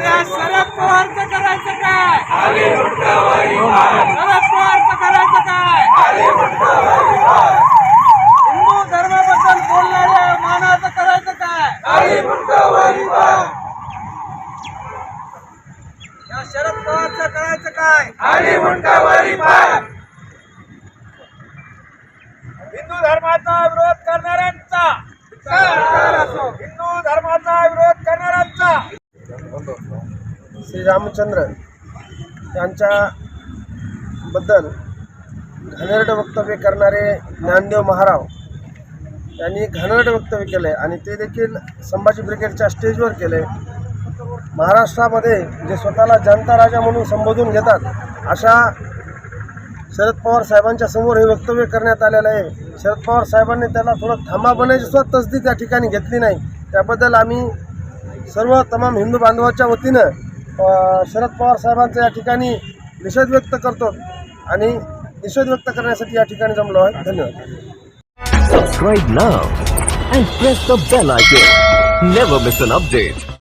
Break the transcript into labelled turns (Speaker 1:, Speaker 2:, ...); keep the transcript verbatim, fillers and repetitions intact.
Speaker 1: या शरद पवारचं करायचं काय? शरद पवारचं करायचं काय? हिंदू धर्माबद्दल बोलणाऱ्या मानाचं करायचं काय? या शरद पवारचं करायचं काय? हिंदू धर्माचा विरोध करणाऱ्यांचा हिंदू धर्माचा विरोध करणाऱ्यांचा
Speaker 2: श्री रामचंद्र यांच्या बद्दल घाणेरडं वक्तव्य करणारे ज्ञानदेव महाराव यांनी घाणेरडं वक्तव्य केलं आहे आणि ते देखील संभाजी ब्रिगेडच्या स्टेजवर केलं आहे. महाराष्ट्रामध्ये जे स्वतःला जनता राजा म्हणून संबोधून घेतात अशा शरद पवार साहेबांच्या समोर हे वक्तव्य करण्यात आलेलं आहे. शरद पवार साहेबांनी त्याला थोडं थांबा बनायची सुद्धा तसदी त्या ठिकाणी घेतली नाही. त्याबद्दल आम्ही सर्व तमाम हिंदू बांधवाच्या वतीनं शरद पवार साहेबांचा या ठिकाणी निषेध व्यक्त करतो आणि निषेध व्यक्त करण्यासाठी या ठिकाणी जमलो आहे. धन्यवाद.
Speaker 3: Subscribe now and press the bell icon. Never miss an update.